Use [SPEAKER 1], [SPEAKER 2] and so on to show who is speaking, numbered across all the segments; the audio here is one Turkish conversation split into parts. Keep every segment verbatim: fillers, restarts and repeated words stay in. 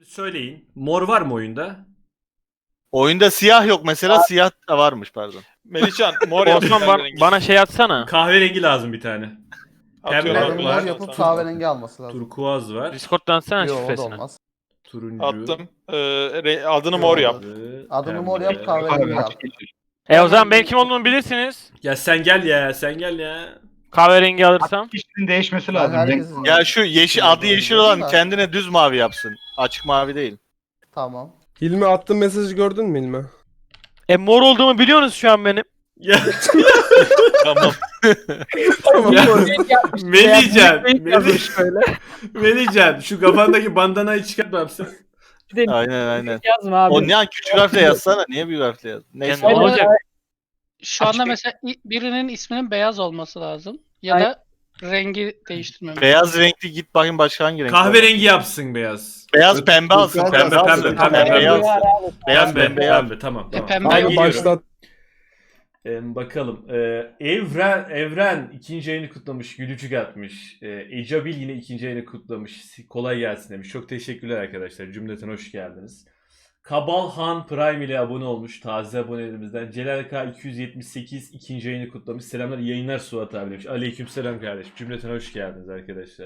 [SPEAKER 1] Söyleyin. Mor var mı oyunda?
[SPEAKER 2] Oyunda siyah yok mesela, siyah da varmış pardon.
[SPEAKER 3] Melihcan mor yap.
[SPEAKER 4] Osman ba- bana şey atsana.
[SPEAKER 1] Kahverengi lazım bir tane.
[SPEAKER 3] Atıyorum
[SPEAKER 1] Pembe
[SPEAKER 3] abi,
[SPEAKER 5] Mor
[SPEAKER 1] var.
[SPEAKER 5] yapıp
[SPEAKER 3] sana.
[SPEAKER 5] kahverengi alması lazım.
[SPEAKER 1] Turkuaz var.
[SPEAKER 4] Discord'dan atsana
[SPEAKER 5] Yok o da
[SPEAKER 4] şifresini.
[SPEAKER 5] olmaz.
[SPEAKER 1] Turuncu.
[SPEAKER 3] Attım. Ee, re- adını mor yap.
[SPEAKER 1] sarı,
[SPEAKER 5] Adını mor
[SPEAKER 1] pembe.
[SPEAKER 5] yap kahverengi al.
[SPEAKER 4] E o zaman benim kim olduğunu bilirsiniz.
[SPEAKER 1] Ya sen gel ya, sen gel ya.
[SPEAKER 4] Kahverengi alırsam.
[SPEAKER 6] Kişinin değişmesi
[SPEAKER 5] Ben
[SPEAKER 6] lazım. Renk-
[SPEAKER 5] herkesin
[SPEAKER 2] Ya şu yeşil adı yeşil olan
[SPEAKER 5] Da.
[SPEAKER 2] kendine düz mavi yapsın. Açık mavi değil.
[SPEAKER 5] Tamam.
[SPEAKER 7] Hilmi attığın mesajı gördün mü Hilmi?
[SPEAKER 4] E mor olduğumu biliyorsunuz şu an benim.
[SPEAKER 1] Ya
[SPEAKER 2] Tamam.
[SPEAKER 7] Tamam.
[SPEAKER 1] Ya.
[SPEAKER 7] doğru.
[SPEAKER 1] Melihcan, Melih,
[SPEAKER 4] Yazmış böyle.
[SPEAKER 1] Melihcan şu kafandaki bandanayı çıkart yapsın.
[SPEAKER 2] Aynen aynen.
[SPEAKER 8] Yazma abi.
[SPEAKER 2] O ne an küçük harfle yazsana. Niye büyük harfle yaz? Neyse.
[SPEAKER 4] Yani ne olacak?
[SPEAKER 8] Şu anda
[SPEAKER 2] Açık-
[SPEAKER 8] mesela i- birinin isminin beyaz olması lazım. Ya Aynen. da rengi değiştirmemiz.
[SPEAKER 2] Beyaz renkli git bakayım başka hangi renk var?
[SPEAKER 1] Kahverengi yapsın beyaz.
[SPEAKER 2] Beyaz pembe alsın.
[SPEAKER 1] Pembe,
[SPEAKER 2] Pembe
[SPEAKER 1] pembe,
[SPEAKER 2] alsın.
[SPEAKER 1] pembe, pembe.
[SPEAKER 2] Beyaz. Beyaz
[SPEAKER 1] Pembe,
[SPEAKER 2] pembe yap.
[SPEAKER 1] pembe, tamam
[SPEAKER 8] E,
[SPEAKER 1] tamam.
[SPEAKER 8] pembe
[SPEAKER 1] Ben
[SPEAKER 8] yok.
[SPEAKER 1] geliyorum.
[SPEAKER 7] Başlat.
[SPEAKER 1] Ee, bakalım. Ee, Evren Evren ikinci ayını kutlamış. Gülücük atmış. Ee, Ecabil yine ikinci ayını kutlamış. Kolay gelsin demiş. Çok teşekkürler arkadaşlar. Cümleten hoş geldiniz. Kabalhan Prime ile abone olmuş. Taze abonelerimizden. Celal K iki yüz yetmiş sekiz ikinci ayını kutlamış. Selamlar, iyi yayınlar Suat abi demiş. Aleykümselam kardeşim. Cümleten hoş geldiniz arkadaşlar.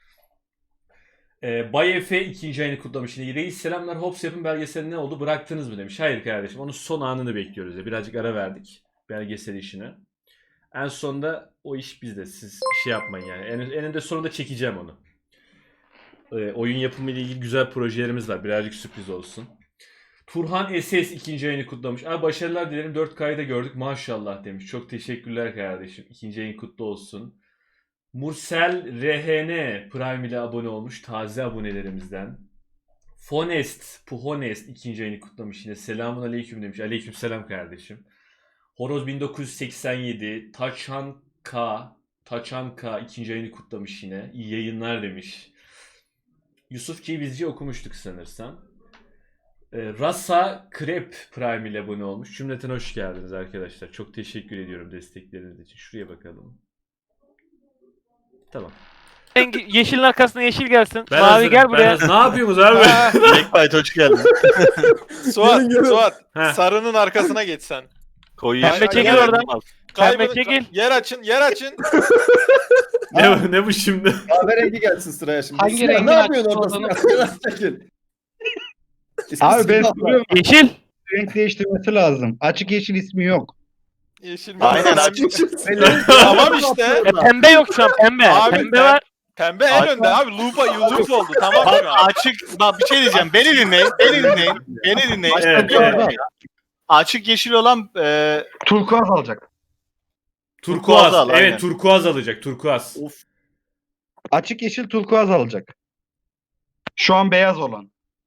[SPEAKER 1] Ee, Bay Efe ikinci ayını kutlamış. Yine reis selamlar. Hops yapın belgeseli ne oldu? Bıraktınız mı demiş. Hayır kardeşim. Onun son anını bekliyoruz. Ya. Birazcık ara verdik. Belgesel işine. En sonunda o iş bizde. Siz şey yapmayın yani. En, eninde sonunda çekeceğim onu. Ee, oyun yapımı ile ilgili güzel projelerimiz var. Birazcık sürpriz olsun. Turhan S S ikinci ayını kutlamış. Aa, başarılar dilerim. dört K'yı gördük. Maşallah demiş. Çok teşekkürler kardeşim. İkinci ayın kutlu olsun. Mursel R H N Prime ile abone olmuş. Taze abonelerimizden. Fonest, Puhonest ikinci ayını kutlamış yine. Selamun aleyküm demiş. Aleyküm selam kardeşim. Horoz bin dokuz yüz seksen yedi, Taçan K, Taçan K ikinci ayını kutlamış yine. İyi yayınlar demiş. Yusuf Cevizci okumuştuk sanırsam. Ee, Rasa Krep Prime ile abone olmuş. Cümleten hoş geldiniz arkadaşlar. Çok teşekkür ediyorum destekleriniz için. Şuraya bakalım. Tamam.
[SPEAKER 4] Rengi, yeşilin arkasına yeşil gelsin.
[SPEAKER 1] Ben
[SPEAKER 4] Mavi
[SPEAKER 1] hazırım,
[SPEAKER 4] gel
[SPEAKER 1] ben
[SPEAKER 4] buraya.
[SPEAKER 1] hazırım. Ne yapıyorsunuz abi?
[SPEAKER 2] Blackbite hoş geldin.
[SPEAKER 3] Suat,
[SPEAKER 7] Gelin, gelin.
[SPEAKER 3] Suat.
[SPEAKER 1] Heh.
[SPEAKER 3] Sarının arkasına geç sen.
[SPEAKER 2] Koyu
[SPEAKER 3] Pembe
[SPEAKER 2] yeşil.
[SPEAKER 3] çekil
[SPEAKER 2] Gel,
[SPEAKER 4] oradan.
[SPEAKER 2] al.
[SPEAKER 3] Kaybı-
[SPEAKER 4] Pembe çekil.
[SPEAKER 3] Yer açın, yer açın.
[SPEAKER 1] ne, ne bu şimdi?
[SPEAKER 9] Kahverengi gelsin sıraya şimdi.
[SPEAKER 8] Hangi
[SPEAKER 9] Sinan,
[SPEAKER 8] rengin
[SPEAKER 9] ne yapıyorsun
[SPEAKER 8] açık
[SPEAKER 9] orada?
[SPEAKER 8] olduğunu-
[SPEAKER 9] Sinan? Biraz çekil.
[SPEAKER 6] Abi ben
[SPEAKER 9] Sinan,
[SPEAKER 6] soruyorum.
[SPEAKER 4] Yeşil.
[SPEAKER 6] Renk değiştirmesi lazım. Açık yeşil ismi yok.
[SPEAKER 3] Yeşil mi?
[SPEAKER 2] Aynen
[SPEAKER 3] Pembe-
[SPEAKER 2] açık.
[SPEAKER 3] Tamam işte.
[SPEAKER 4] E, pembe yok şu an pembe.
[SPEAKER 3] Abi,
[SPEAKER 4] pembe
[SPEAKER 3] pem-
[SPEAKER 4] var.
[SPEAKER 3] Pembe en önde abi. Lupa yıldız oldu. Tamam
[SPEAKER 2] Bak
[SPEAKER 3] şu an.
[SPEAKER 2] açık. Bak bir şey diyeceğim. Beni dinleyin. Beni dinleyin. Beni dinleyin.
[SPEAKER 1] Evet,
[SPEAKER 2] Biliyor
[SPEAKER 1] evet.
[SPEAKER 2] musun? Açık yeşil olan e,
[SPEAKER 6] Turkuaz alacak.
[SPEAKER 1] Turkuaz.
[SPEAKER 2] Turkuaz al, aynen.
[SPEAKER 1] Evet, turkuaz alacak. Turkuaz.
[SPEAKER 6] Açık yeşil turkuaz alacak. Şu an beyaz olan.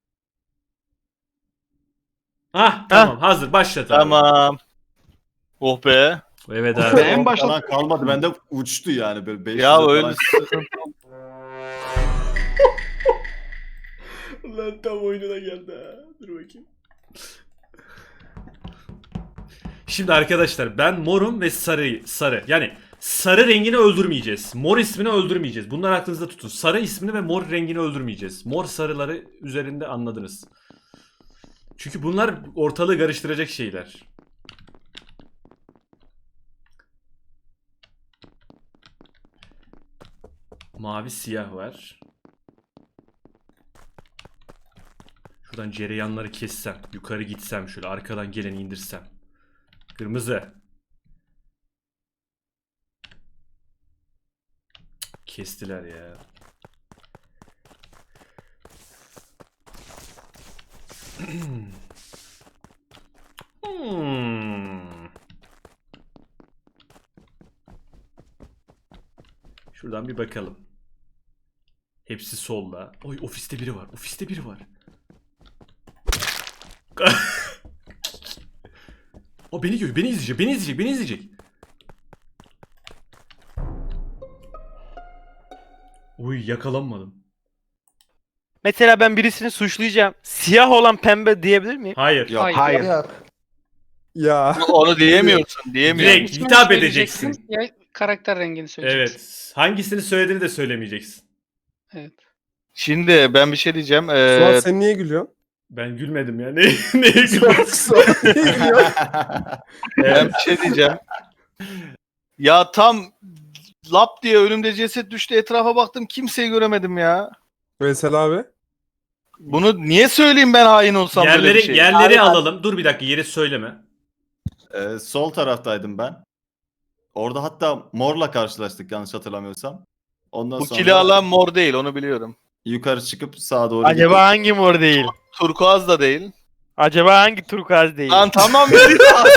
[SPEAKER 1] Hah, tamam. Hazır. Başlat abi.
[SPEAKER 2] tamam. Oh be.
[SPEAKER 1] Evet abi.
[SPEAKER 6] En başta
[SPEAKER 9] Falan kalmadı. Bende uçtu yani. Böyle beş
[SPEAKER 2] Ya
[SPEAKER 9] yüze
[SPEAKER 2] öyle.
[SPEAKER 9] falan.
[SPEAKER 1] Lan tam oyununa geldi ha. Dur bakayım. Şimdi arkadaşlar ben morum ve sarı sarı. Yani sarı rengini öldürmeyeceğiz. Mor ismini öldürmeyeceğiz. Bunları aklınızda tutun. Sarı ismini ve mor rengini öldürmeyeceğiz. Mor sarıları üzerinde anladınız. Çünkü bunlar ortalığı karıştıracak şeyler. Mavi siyah var. Şuradan cereyanları kessem, yukarı gitsem şöyle arkadan geleni indirsem. Kırmızı. Cık, kestiler ya. Hmm. Şuradan bir bakalım. Hepsi solda. Oy, ofiste biri var. Ofiste biri var. O beni görüyor. Beni izleyecek. Beni izleyecek. Beni izleyecek. Uy, yakalanmadım.
[SPEAKER 4] Mesela ben birisini suçlayacağım. Siyah olan pembe diyebilir miyim?
[SPEAKER 1] Hayır.
[SPEAKER 9] Yok.
[SPEAKER 8] Hayır.
[SPEAKER 6] hayır.
[SPEAKER 5] Yok.
[SPEAKER 7] Ya.
[SPEAKER 2] Onu diyemiyorsun. Diyemiyorsun.
[SPEAKER 1] Direkt
[SPEAKER 8] İsmini
[SPEAKER 1] hitap
[SPEAKER 8] söyleyeceksin,
[SPEAKER 1] edeceksin.
[SPEAKER 8] Ya karakter rengini söyleyeceksin.
[SPEAKER 1] Evet. Hangisini söylediğini de söylemeyeceksin.
[SPEAKER 8] Evet.
[SPEAKER 2] Şimdi ben bir şey diyeceğim. Ee,
[SPEAKER 7] Suat sen niye gülüyorsun?
[SPEAKER 1] Ben gülmedim ya. Ne, neye gülüyorsun?
[SPEAKER 7] Suat niye gülüyorsun?
[SPEAKER 2] ben bir şey diyeceğim. Ya tam lap diye önümde ceset düştü, etrafa baktım, kimseyi göremedim ya.
[SPEAKER 7] Veysel abi.
[SPEAKER 2] Bunu niye söyleyeyim ben hain olsam böyle bir
[SPEAKER 1] Yerleri,
[SPEAKER 2] şey?
[SPEAKER 1] yerleri alalım. Dur bir dakika, yeri söyleme.
[SPEAKER 9] Ee, sol taraftaydım ben. Orada hatta morla karşılaştık yanlış hatırlamıyorsam. Ondan
[SPEAKER 2] Bu
[SPEAKER 9] sonra
[SPEAKER 2] kili alan mor değil, onu biliyorum.
[SPEAKER 9] yukarı çıkıp sağa doğru gittim.
[SPEAKER 4] Acaba hangi mor değil?
[SPEAKER 2] Turkuaz da değil.
[SPEAKER 4] Acaba hangi turkuaz değil?
[SPEAKER 2] Lan tamam ya.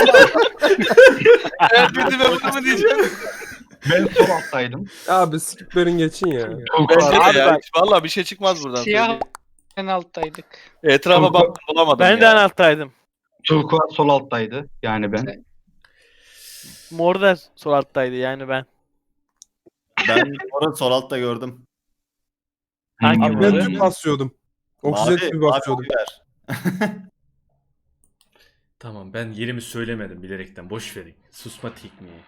[SPEAKER 2] Ben bildim, ben bunu mu diyeceğim?
[SPEAKER 6] Ben sol alttaydım.
[SPEAKER 7] Abi skip verin geçin ya.
[SPEAKER 2] Bence
[SPEAKER 4] Abi
[SPEAKER 2] de ya.
[SPEAKER 4] bak-
[SPEAKER 2] Valla bir şey çıkmaz buradan.
[SPEAKER 8] Siyah
[SPEAKER 2] söyleyeyim.
[SPEAKER 8] en alttaydık.
[SPEAKER 2] Etrafa baktım, bulamadım
[SPEAKER 4] Ben de
[SPEAKER 2] ya.
[SPEAKER 4] en alttaydım.
[SPEAKER 6] Turkuaz sol alttaydı. Yani ben.
[SPEAKER 4] Mor da sol alttaydı yani ben.
[SPEAKER 9] Ben orada sol altta gördüm.
[SPEAKER 4] Hangi
[SPEAKER 7] Abi
[SPEAKER 4] moru?
[SPEAKER 7] ben tüp basıyordum. Oksijen
[SPEAKER 9] Mavi-
[SPEAKER 7] tüpü
[SPEAKER 9] mavi
[SPEAKER 7] basıyordum.
[SPEAKER 9] ver.
[SPEAKER 1] Tamam, ben yerimi söylemedim bilerekten. Boş verin. Susma tekniği.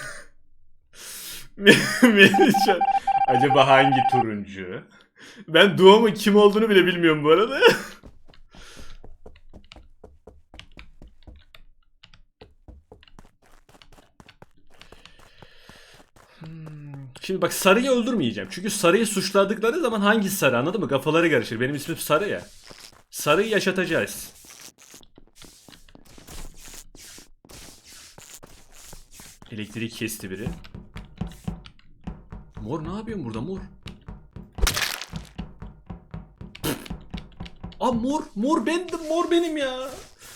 [SPEAKER 1] Melihcan, acaba hangi turuncu? Ben Doğum'un kim olduğunu bile bilmiyorum bu arada. Hmm, Şimdi bak, sarıyı öldürmeyeceğim. Çünkü sarıyı suçladıkları zaman hangi sarı, anladın mı? Kafaları karışır. Benim ismim Sarı ya. Sarıyı yaşatacağız. Elektrik kesti biri. Mor ne yapıyorsun burada mor? Aa mor, mor bendim, mor benim ya.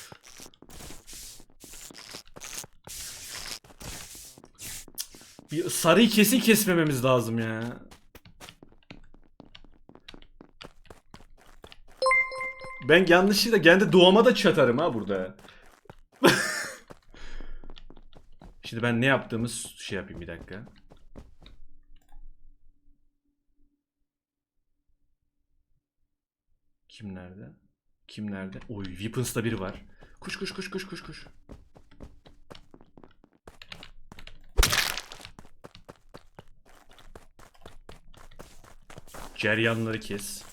[SPEAKER 1] Bir sarıyı kesin kesmememiz lazım ya. Ben yanlışlıkla kendi doğama da çatarım ha burada. Şimdi ben ne yaptığımız şey yapayım bir dakika. Kim nerede? Kim nerede? Oy, Weapons'ta biri var. Koş koş koş koş koş koş. Ceryanları kes.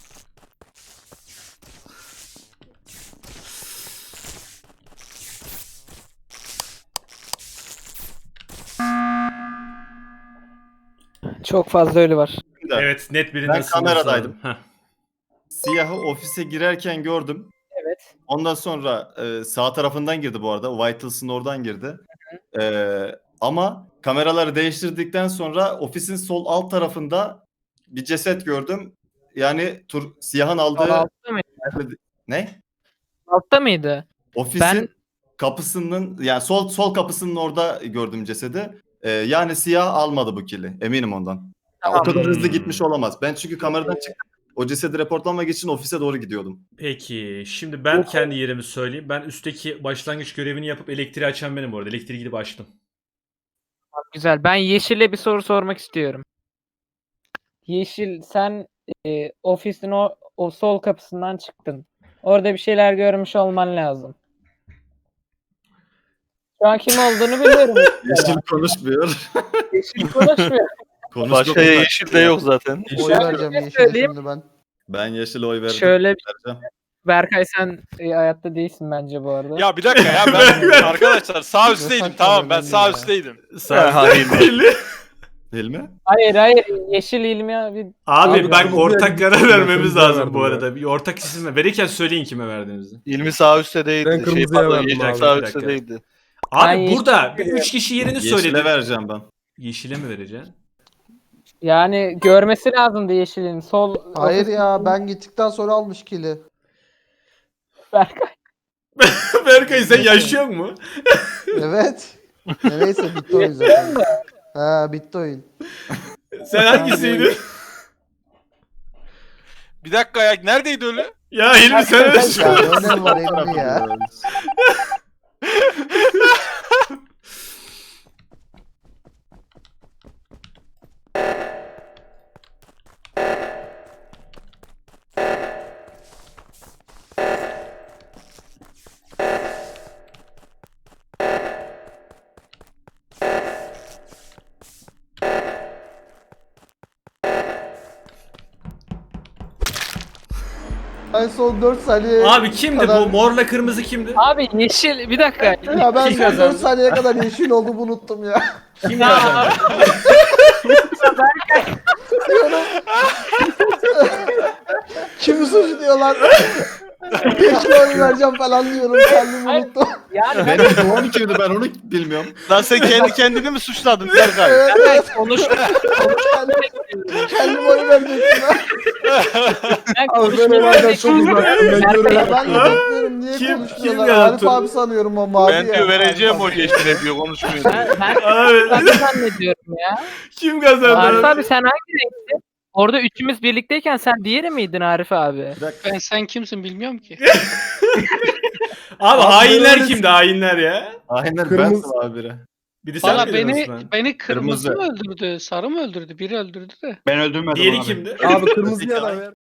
[SPEAKER 10] Çok fazla ölü var.
[SPEAKER 1] Evet, net birinden
[SPEAKER 9] Ben kameradaydım.
[SPEAKER 1] sınırsız aldım. Heh.
[SPEAKER 9] Siyahı ofise girerken gördüm.
[SPEAKER 10] Evet.
[SPEAKER 9] Ondan sonra e, sağ tarafından girdi bu arada. Vitals'ın oradan girdi. E, ama kameraları değiştirdikten sonra ofisin sol alt tarafında bir ceset gördüm. Yani tur siyahın aldığı
[SPEAKER 10] Altta mıydı?
[SPEAKER 9] ne?
[SPEAKER 10] Altta mıydı?
[SPEAKER 9] Ofisin
[SPEAKER 10] Ben-
[SPEAKER 9] kapısının yani sol sol kapısının orada gördüm cesedi. E, yani siyah almadı bu kili. Eminim ondan. Ya,
[SPEAKER 10] Tamam.
[SPEAKER 9] o kadar hızlı
[SPEAKER 1] Hmm.
[SPEAKER 9] gitmiş olamaz. Ben çünkü kameradan çıktım. O cesedi reportlamak için ofise doğru gidiyordum.
[SPEAKER 1] Peki, şimdi ben kendi yerimi söyleyeyim. Ben üstteki başlangıç görevini yapıp elektriği açan benim bu arada. Elektriği gidip açtım.
[SPEAKER 10] Güzel. Ben Yeşil'e bir soru sormak istiyorum. Yeşil, sen e, ofisin o, o sol kapısından çıktın. Orada bir şeyler görmüş olman lazım. Şu an kim olduğunu biliyorum.
[SPEAKER 9] Yeşil konuşmuyor.
[SPEAKER 10] Yeşil konuşmuyor.
[SPEAKER 9] Konuş
[SPEAKER 2] Başka yeşil de yok zaten.
[SPEAKER 5] Oy
[SPEAKER 10] Şöyle
[SPEAKER 5] vereceğim
[SPEAKER 10] bir şey
[SPEAKER 5] Yeşil'e
[SPEAKER 10] söyleyeyim.
[SPEAKER 5] şimdi ben.
[SPEAKER 9] Ben yeşil oy verdim.
[SPEAKER 10] Şöyle
[SPEAKER 9] vereceğim.
[SPEAKER 10] Berkay sen e, hayatta değilsin bence bu arada.
[SPEAKER 3] Ya bir dakika ya ben arkadaşlar sağ üstteydim
[SPEAKER 5] saçma
[SPEAKER 3] tamam ben
[SPEAKER 5] önemli
[SPEAKER 3] sağ
[SPEAKER 5] ya.
[SPEAKER 3] üstteydim.
[SPEAKER 1] Sağ
[SPEAKER 2] hain.
[SPEAKER 9] Değil mi?
[SPEAKER 10] Hayır hayır. Yeşil İlmi abi.
[SPEAKER 1] Abi,
[SPEAKER 7] Abi,
[SPEAKER 1] bak
[SPEAKER 7] abi,
[SPEAKER 1] ortak
[SPEAKER 7] diğer-
[SPEAKER 1] karar vermemiz
[SPEAKER 7] diğer-
[SPEAKER 1] lazım bu
[SPEAKER 7] verdim
[SPEAKER 1] arada. Bir ortak isim ver. Verirken söyleyin kime verdiğinizi.
[SPEAKER 2] İlmi sağ üstte
[SPEAKER 7] Ben
[SPEAKER 2] değildi. Şey,
[SPEAKER 7] kırmızıya
[SPEAKER 2] pardon,
[SPEAKER 7] verdim
[SPEAKER 2] yeşil
[SPEAKER 7] abi.
[SPEAKER 2] sağ
[SPEAKER 1] Bir
[SPEAKER 2] üstte
[SPEAKER 1] dakika.
[SPEAKER 2] değildi.
[SPEAKER 1] Abi
[SPEAKER 10] Ben
[SPEAKER 1] burada
[SPEAKER 10] yeşil-
[SPEAKER 1] üç kişi yerini
[SPEAKER 9] Yeşile
[SPEAKER 1] söyledi.
[SPEAKER 9] vereceğim ben.
[SPEAKER 1] Yeşile mi vereceksin?
[SPEAKER 10] Yani görmesi lazımdı Yeşil'in. Sol
[SPEAKER 5] Hayır
[SPEAKER 10] ofis-
[SPEAKER 5] ya ben gittikten sonra almış kili.
[SPEAKER 10] Berkay.
[SPEAKER 1] Berkay sen yaşıyor mu?
[SPEAKER 5] Evet. E, Neyse bitti oyun zaten. Ha bitti oyun.
[SPEAKER 1] Sen hangisiydin?
[SPEAKER 3] Bir dakika ya neredeydi ölü?
[SPEAKER 1] Ya Hilmi sen öyle
[SPEAKER 5] Ya ne önemi var elimde ya. En son dört saniye.
[SPEAKER 1] Abi kimdi
[SPEAKER 5] kadar-
[SPEAKER 1] bu? Morla kırmızı kimdi?
[SPEAKER 10] Abi yeşil bir dakika.
[SPEAKER 5] Ya ben
[SPEAKER 1] Kim
[SPEAKER 5] son dört
[SPEAKER 1] kazandı?
[SPEAKER 5] saniyeye kadar yeşil olduğumu unuttum ya.
[SPEAKER 1] Kim kazandı?
[SPEAKER 5] Diyorum. Kimi suçluyorlar? Yeşil oy vereceğim falan diyorum. Kendimi unuttum.
[SPEAKER 10] Yani ben
[SPEAKER 9] Benim doğum kimdi ben onu bilmiyorum.
[SPEAKER 2] Lan sen kendi kendini mi suçladın Berkay?
[SPEAKER 5] Evet, evet.
[SPEAKER 10] konuş
[SPEAKER 5] Kendim, kendim oy verecektim ben.
[SPEAKER 10] ben
[SPEAKER 7] Abi ben olaydan çok uzaktım. Ben
[SPEAKER 5] Ya
[SPEAKER 7] göremedim.
[SPEAKER 5] ben de bekliyorum. Niye
[SPEAKER 1] Kim- kim
[SPEAKER 5] konuşmuyorlar?
[SPEAKER 1] geldi?
[SPEAKER 5] Arif abi sanıyorum o mavi
[SPEAKER 2] Ben
[SPEAKER 5] ya.
[SPEAKER 2] diyor vereceğim
[SPEAKER 5] Arif
[SPEAKER 2] o
[SPEAKER 5] abi.
[SPEAKER 2] yeşile diyor konuşmuyor diyor.
[SPEAKER 10] ben, ben
[SPEAKER 1] Abi
[SPEAKER 10] ben zannediyorum ya.
[SPEAKER 1] kim kazandı?
[SPEAKER 10] Arif abi sen hangi renktin? Orada üçümüz birlikteyken sen diğeri miydin Arif abi?
[SPEAKER 8] Ben sen kimsin bilmiyorum ki.
[SPEAKER 1] Abi
[SPEAKER 7] Abi
[SPEAKER 1] hainler
[SPEAKER 7] öyle-
[SPEAKER 1] kimdi? Hainler ya.
[SPEAKER 9] Aynen
[SPEAKER 7] Kırmızı-
[SPEAKER 9] bensin abi biri.
[SPEAKER 1] Biri sen
[SPEAKER 8] Valla
[SPEAKER 1] miydin
[SPEAKER 8] beni
[SPEAKER 1] Osman?
[SPEAKER 8] beni kırmızı
[SPEAKER 9] Kırmızı.
[SPEAKER 8] mı öldürdü, sarı mı öldürdü? Biri öldürdü de.
[SPEAKER 6] Ben öldürmedim
[SPEAKER 1] Diğeri
[SPEAKER 6] abi.
[SPEAKER 1] kimdi?
[SPEAKER 7] Abi kırmızıya da ver.